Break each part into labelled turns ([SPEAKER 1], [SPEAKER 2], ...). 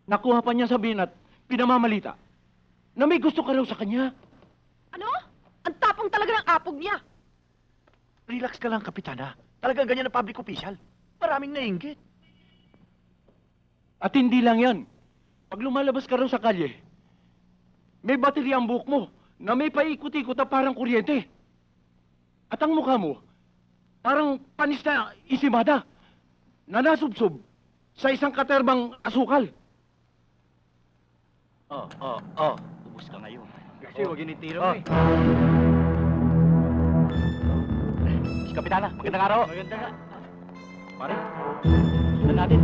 [SPEAKER 1] nakuha pa niya sabihin at pinamamalita na may gusto ka raw sa kanya.
[SPEAKER 2] Ano? Ang tapang talaga ng apog niya.
[SPEAKER 3] Relax ka lang, Kapitana. Talagang ganyan na public official. Maraming nainggit.
[SPEAKER 1] At hindi lang yan. Pag lumalabas ka raw sa kalye, may baterya ang buhok mo na may paikot-ikot na parang kuryente. At ang mukha mo, parang panis na isimada na nasubsob sa isang katerbang asukal.
[SPEAKER 3] Ubus ka ngayon.
[SPEAKER 1] Kasi huwag initira
[SPEAKER 3] mo eh. Si Kapitana, magandang araw.
[SPEAKER 1] Maganda nga.
[SPEAKER 3] Pare, sundan natin.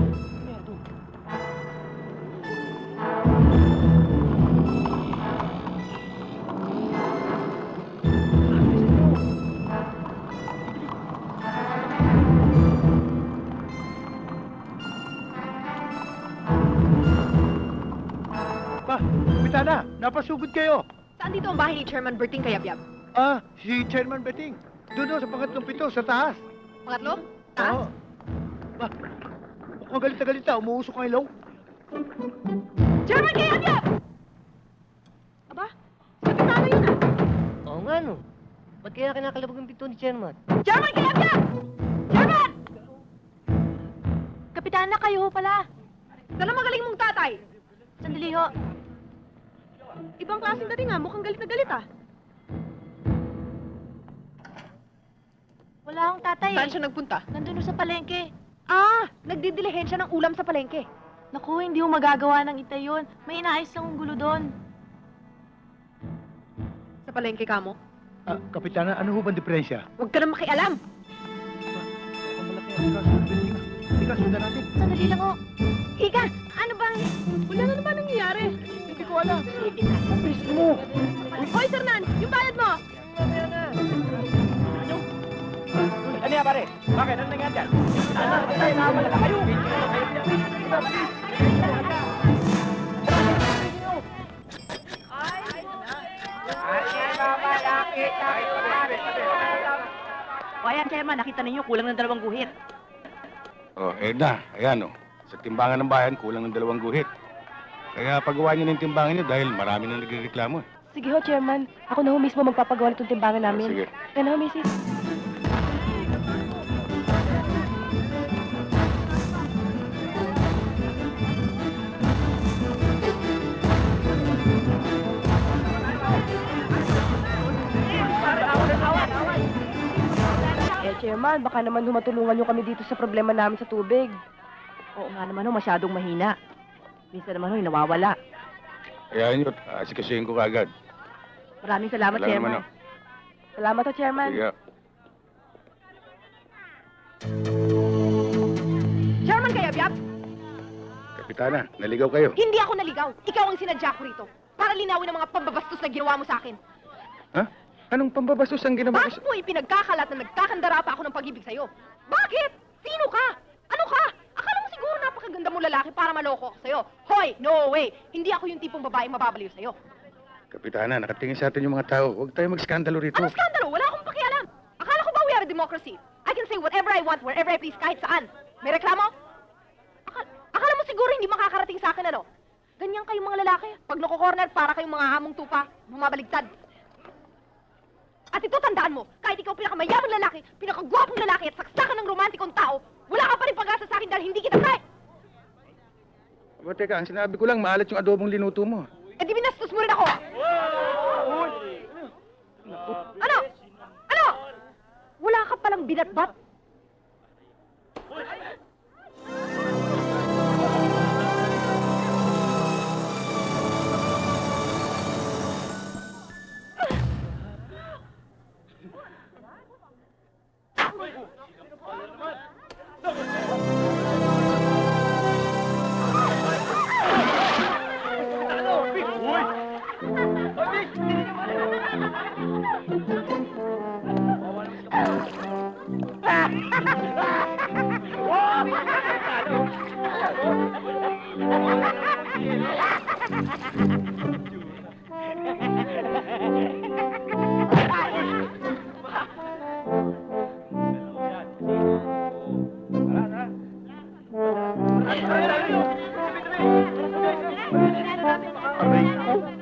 [SPEAKER 4] Kapitana, napasugod kayo.
[SPEAKER 2] Saan dito ang bahay ni Chairman Berting Kayabyab?
[SPEAKER 4] Si Chairman Beting. Doon sa pangatlong pito, sa taas.
[SPEAKER 2] Pangatlo? Taas?
[SPEAKER 4] Oo. Mukhang galit na galit na. Umuusok ang ilaw.
[SPEAKER 2] Chairman Kayabyab! Aba, kapitano yun ah.
[SPEAKER 5] Oo nga, no. Ba't kaya kinakalabog ang pinto ni Chairman?
[SPEAKER 2] Chairman Kayabyab! Chairman! Kapitana, kayo pala. Sana magaling mong tatay. Sandali ho. Ibang klaseng dating nga, mukhang galit na galit ah.
[SPEAKER 6] Wala akong tatay.
[SPEAKER 2] Saan siya nagpunta?
[SPEAKER 6] Nandun sa palengke.
[SPEAKER 2] Ah, nagdidilihensya ng ulam sa palengke.
[SPEAKER 6] Naku, hindi mo magagawa ng itay yun. May inaayos lang ang gulo doon.
[SPEAKER 2] Sa palengke ka mo?
[SPEAKER 4] Kapitana, ano ho bang diferensya?
[SPEAKER 2] Huwag ka na makialam.
[SPEAKER 4] Mukhang malaki ang kaso ng Beting. Halika, sundan natin.
[SPEAKER 6] Sandali lang ho.
[SPEAKER 2] Ika, ano bang... Wala na naman nangyayari.
[SPEAKER 4] Hindi ko alam. Bilis mo.
[SPEAKER 2] Hoy, Sir Nan, yung bayad mo!
[SPEAKER 3] Ano yan, pare? Bakit? Ano nangyari dyan? Patay na wala kayo!
[SPEAKER 2] O ayan, Chairman, nakita ninyo, kulang ng 2 guhit.
[SPEAKER 7] Na. Ayan, Sa timbangan ng bayan, kulang ng 2 guhit. Kaya pagawa niyo ng timbangan niyo dahil marami nang nagrereklamo.
[SPEAKER 6] Sige ho, Chairman. Ako na ho mismo magpapagawa nitong timbangan namin.
[SPEAKER 7] Sige.
[SPEAKER 6] Kaya na ho, Mrs. Chairman, baka naman humatulungan nyo kami dito sa problema namin sa tubig.
[SPEAKER 2] Oo nga naman, masyadong mahina. Minsan naman, nawawala.
[SPEAKER 7] Kaya nyo, asikasuhin ko kagad.
[SPEAKER 2] Maraming salamat,
[SPEAKER 7] Wala
[SPEAKER 2] Chairman.
[SPEAKER 7] naman,
[SPEAKER 6] Salamat ho, Chairman.
[SPEAKER 7] Sige.
[SPEAKER 2] Chairman Kayabyab,
[SPEAKER 7] Kapitana, naligaw kayo.
[SPEAKER 2] hindi ako naligaw. Ikaw ang sinadya ko rito. Para linawin ang mga pambabastos na ginawa mo sa akin.
[SPEAKER 7] Ha? Anong pambabastos ang ginawa ko
[SPEAKER 2] Bakit mo ipinagkakalat na nagkakandara pa ako ng pag-ibig sa'yo? Bakit? Sino ka? Ano ka? Akala mo siguro napakaganda mong lalaki para maloko ako sa'yo. Hoy, no way! Hindi ako yung tipong babaeng mababaliw sa'yo.
[SPEAKER 7] Kapitana, nakatingin sa atin yung mga tao. Huwag tayo magskandalo rito.
[SPEAKER 2] Ano skandalo? Wala akong pakialam. Akala ko ba we are a democracy? I can say whatever I want, wherever I please, kahit saan. May reklamo? Akala mo siguro hindi makakarating sa akin, ano? Ganyan kayong mga lalaki. Pag nako-corner, para kayong mga hamong tupa, bumabaligtad. At ito, tandaan mo, kahit ikaw pinakamayamang lalaki, pinakagwapong lalaki at saksakan ng romantikong tao, wala ka pa rin pag-asa sa akin dahil hindi kita kaya.
[SPEAKER 7] Aba, teka, ang sinabi ko lang, maalat yung adobong linuto mo.
[SPEAKER 2] Eh di binastos mo rin ako. Ano? Ano? Wala ka palang binatbat?
[SPEAKER 3] Aray ko.